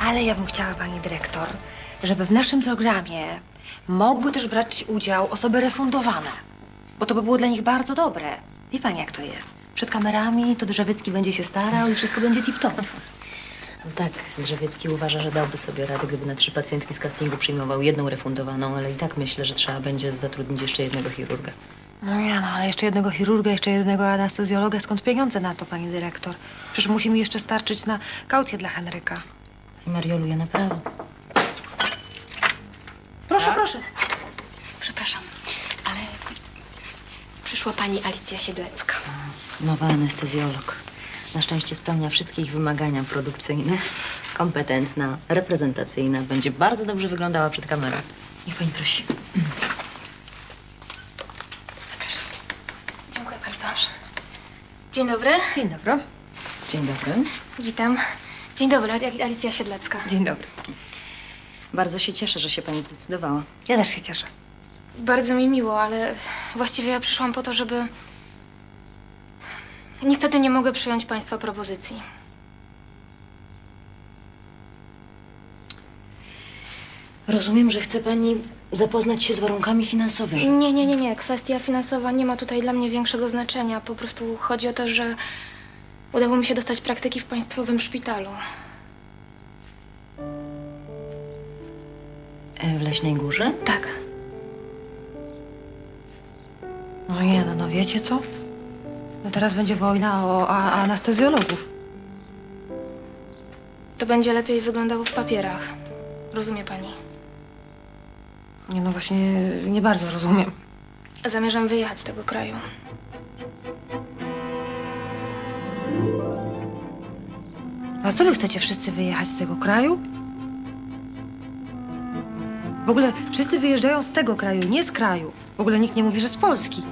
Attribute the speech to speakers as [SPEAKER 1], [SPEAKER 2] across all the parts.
[SPEAKER 1] Ale ja bym chciała, pani dyrektor, żeby w naszym programie mogły też brać udział osoby refundowane. Bo to by było dla nich bardzo dobre. Wie pani, jak to jest? Przed kamerami to Drzewiecki będzie się starał i wszystko będzie tip-top.
[SPEAKER 2] No tak, Drzewiecki uważa, że dałby sobie radę, gdyby na 3 pacjentki z castingu przyjmował 1 refundowaną, ale i tak myślę, że trzeba będzie zatrudnić jeszcze 1 chirurga.
[SPEAKER 1] No ja, no ale jeszcze jednego chirurga, jeszcze jednego anestezjologa. Skąd pieniądze na to, pani dyrektor? Przecież musi mi jeszcze starczyć na kaucję dla Henryka.
[SPEAKER 2] Pani Mariolu, ja naprawdę...
[SPEAKER 1] Proszę, proszę.
[SPEAKER 3] Przepraszam, ale przyszła pani Alicja Siedlecka.
[SPEAKER 2] Nowa anestezjolog. Na szczęście spełnia wszystkie ich wymagania produkcyjne. Kompetentna, reprezentacyjna. Będzie bardzo dobrze wyglądała przed kamerą. Niech pani prosi.
[SPEAKER 3] Zapraszam. Dziękuję bardzo. Dzień dobry.
[SPEAKER 1] Dzień dobry.
[SPEAKER 2] Dzień dobry.
[SPEAKER 3] Witam. Dzień dobry, Alicja Siedlecka.
[SPEAKER 1] Dzień dobry.
[SPEAKER 2] Bardzo się cieszę, że się pani zdecydowała.
[SPEAKER 1] Ja też się cieszę.
[SPEAKER 3] Bardzo mi miło, ale właściwie ja przyszłam po to, żeby... Niestety nie mogę przyjąć państwa propozycji.
[SPEAKER 2] Rozumiem, że chce pani zapoznać się z warunkami finansowymi.
[SPEAKER 3] Nie. Kwestia finansowa nie ma tutaj dla mnie większego znaczenia. Po prostu chodzi o to, że udało mi się dostać praktyki w państwowym szpitalu.
[SPEAKER 2] W Leśnej Górze?
[SPEAKER 3] Tak.
[SPEAKER 1] No nie, no wiecie co? No teraz będzie wojna o anestezjologów.
[SPEAKER 3] To będzie lepiej wyglądało w papierach. Rozumie pani?
[SPEAKER 1] Nie, no właśnie nie bardzo rozumiem.
[SPEAKER 3] Zamierzam wyjechać z tego kraju.
[SPEAKER 1] A co wy chcecie wszyscy wyjechać z tego kraju? W ogóle wszyscy wyjeżdżają z tego kraju, nie z kraju. W ogóle nikt nie mówi, że z Polski.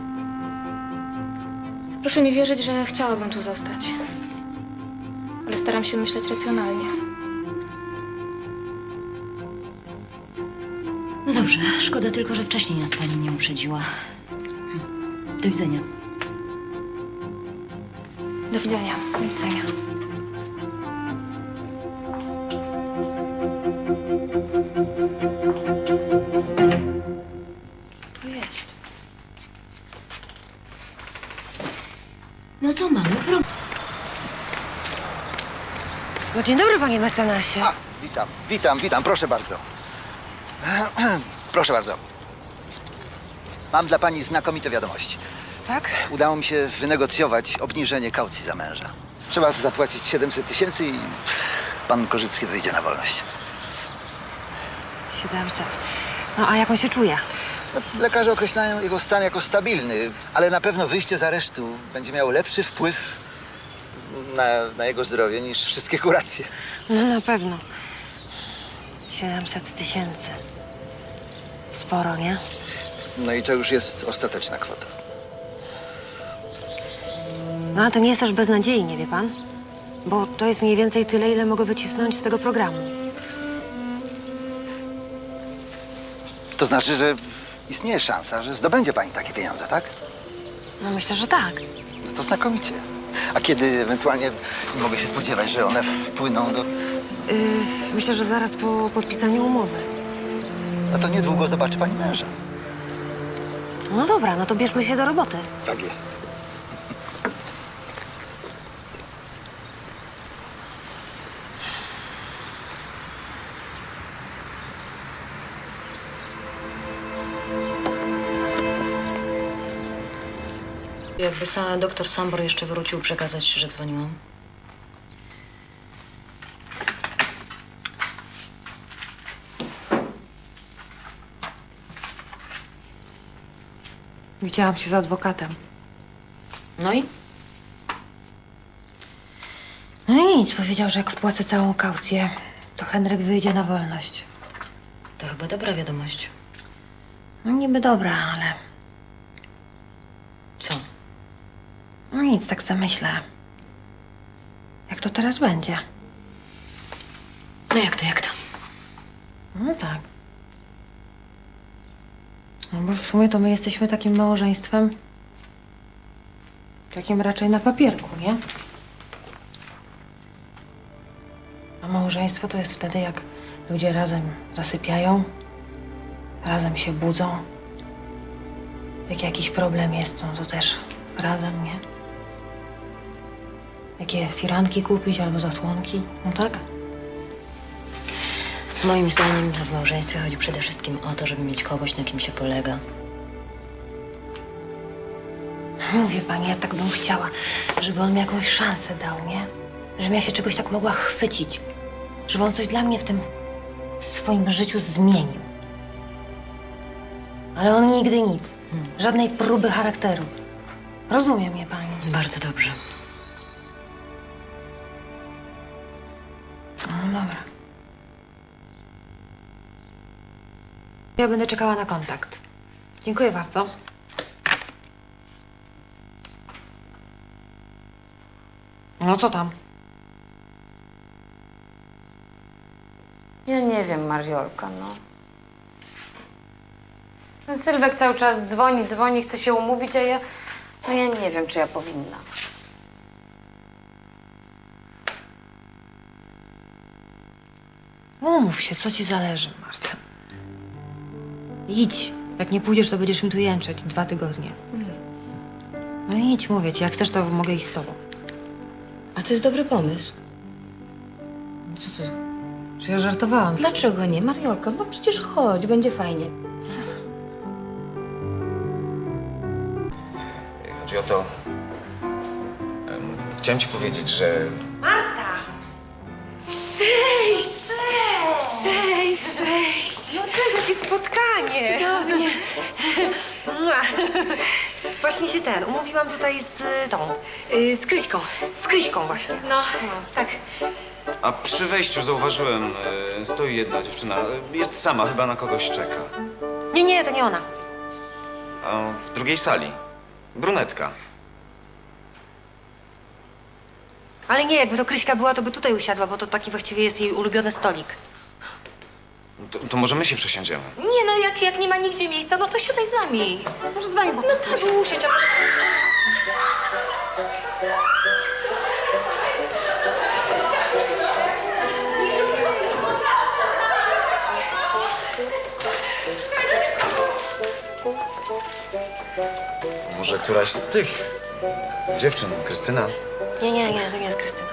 [SPEAKER 3] Proszę mi wierzyć, że chciałabym tu zostać. Ale staram się myśleć racjonalnie.
[SPEAKER 2] No dobrze, szkoda tylko, że wcześniej nas pani nie uprzedziła. Do widzenia.
[SPEAKER 3] Do widzenia.
[SPEAKER 1] Do widzenia.
[SPEAKER 2] Tu jest. No to mamy problem.
[SPEAKER 1] No dzień dobry, panie mecenasie.
[SPEAKER 4] A, witam, proszę bardzo. Proszę bardzo. Mam dla pani znakomite wiadomości.
[SPEAKER 1] Tak?
[SPEAKER 4] Udało mi się wynegocjować obniżenie kaucji za męża. Trzeba zapłacić 700 000 i pan Korzycki wyjdzie na wolność.
[SPEAKER 1] 700. No a jak on się czuje?
[SPEAKER 4] No, lekarze określają jego stan jako stabilny, ale na pewno wyjście z aresztu będzie miało lepszy wpływ na jego zdrowie niż wszystkie kuracje.
[SPEAKER 1] No na pewno. 700 000. Sporo, nie?
[SPEAKER 4] No i to już jest ostateczna kwota.
[SPEAKER 1] No a to nie jest też beznadziejnie, wie pan? Bo to jest mniej więcej tyle, ile mogę wycisnąć z tego programu.
[SPEAKER 4] To znaczy, że istnieje szansa, że zdobędzie pani takie pieniądze, tak?
[SPEAKER 1] No myślę, że tak.
[SPEAKER 4] No to znakomicie. A kiedy ewentualnie mogę się spodziewać, że one wpłyną do...
[SPEAKER 1] Myślę, że zaraz po podpisaniu umowy.
[SPEAKER 4] No to niedługo zobaczy pani męża.
[SPEAKER 1] No dobra, no to bierzmy się do roboty.
[SPEAKER 4] Tak jest.
[SPEAKER 2] Jakby doktor Sambor jeszcze wrócił, przekazać, że dzwoniłam.
[SPEAKER 1] Widziałam się z adwokatem.
[SPEAKER 2] No i?
[SPEAKER 1] No i nic, powiedział, że jak wpłacę całą kaucję, to Henryk wyjdzie na wolność.
[SPEAKER 2] To chyba dobra wiadomość.
[SPEAKER 1] No niby dobra, ale...
[SPEAKER 2] Co?
[SPEAKER 1] No nic, tak sobie myślę. Jak to teraz będzie?
[SPEAKER 2] No jak to?
[SPEAKER 1] No tak. No bo w sumie to my jesteśmy takim małżeństwem... Takim raczej na papierku, nie? A Małżeństwo to jest wtedy, jak ludzie razem zasypiają, razem się budzą. Jak jakiś problem jest, no to też razem, nie? Jakie firanki kupić albo zasłonki, no tak?
[SPEAKER 2] Moim zdaniem to w małżeństwie chodzi przede wszystkim o to, żeby mieć kogoś, na kim się polega.
[SPEAKER 1] Mówię pani, ja tak bym chciała, żeby on mi jakąś szansę dał, nie? Żebym ja się czegoś tak mogła chwycić. Żeby on coś dla mnie w tym swoim życiu zmienił. Ale on nigdy nic. Żadnej próby charakteru. Rozumie mnie pani.
[SPEAKER 2] Bardzo dobrze.
[SPEAKER 1] No dobra. Ja będę czekała na kontakt. Dziękuję bardzo. No co tam?
[SPEAKER 5] Ja nie wiem, Mariolka, no. Ten Sylwek cały czas dzwoni, chce się umówić, a ja... No ja nie wiem, czy ja powinna.
[SPEAKER 1] Umów się, co ci zależy, Marta. Idź. Jak nie pójdziesz, to będziesz mi tu jęczeć 2 tygodnie. No idź, mówię ci. Jak chcesz, to mogę iść z tobą.
[SPEAKER 5] A to jest dobry pomysł.
[SPEAKER 1] Co ty? Czy ja żartowałam?
[SPEAKER 5] Dlaczego nie, Mariolka? No przecież chodź, będzie fajnie.
[SPEAKER 6] Chodzi o to... Chciałem ci powiedzieć, że...
[SPEAKER 1] Cześć! No cześć, jakie spotkanie! Cudownie. Właśnie się umówiłam tutaj z z Kryśką. Z Kryśką właśnie. No, tak.
[SPEAKER 6] A przy wejściu zauważyłem, stoi jedna dziewczyna. Jest sama, chyba na kogoś czeka.
[SPEAKER 1] Nie, to nie ona.
[SPEAKER 6] A w drugiej sali brunetka.
[SPEAKER 1] Ale nie, jakby to Kryśka była, to by tutaj usiadła, bo to taki właściwie jest jej ulubiony stolik.
[SPEAKER 6] To może my się przesiądziemy.
[SPEAKER 2] Nie no, jak nie ma nigdzie miejsca, no to siadaj z nami.
[SPEAKER 1] Może z wami po
[SPEAKER 2] No
[SPEAKER 1] prostu.
[SPEAKER 2] tak, usiądź.
[SPEAKER 6] To może któraś z tych dziewczyn, Krystyna.
[SPEAKER 1] Nie, to nie jest Krystyna.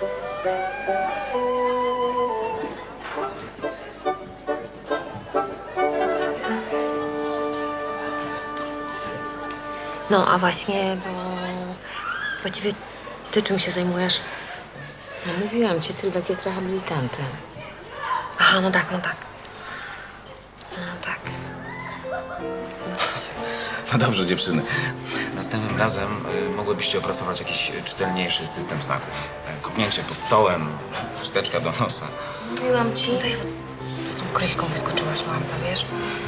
[SPEAKER 1] No, a właśnie, bo właściwie ty czym się zajmujesz?
[SPEAKER 5] No mówiłam ci, Sylwek jest rehabilitantem.
[SPEAKER 1] Aha, no tak. No tak.
[SPEAKER 6] No dobrze, dziewczyny. Następnym razem mogłybyście opracować jakiś czytelniejszy system znaków. Kopnięcie pod stołem, szteczka do nosa.
[SPEAKER 5] Mówiłam ci.
[SPEAKER 1] Z tą Kryśką wyskoczyłaś, Marta, wiesz?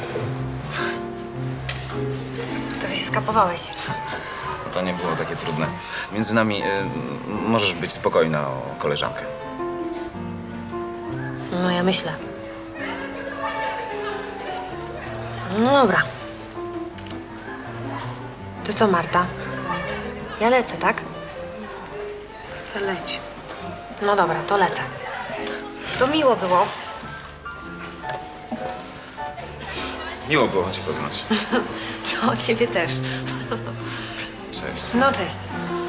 [SPEAKER 1] Trochę się skapowałeś.
[SPEAKER 6] To nie było takie trudne. Między nami możesz być spokojna o koleżankę.
[SPEAKER 1] No, ja myślę. No dobra. To co, Marta? Ja lecę, tak?
[SPEAKER 5] To leć.
[SPEAKER 1] No dobra, to lecę. To miło było.
[SPEAKER 6] Miło było cię poznać.
[SPEAKER 1] No, ciebie też.
[SPEAKER 6] Cześć.
[SPEAKER 1] No, cześć.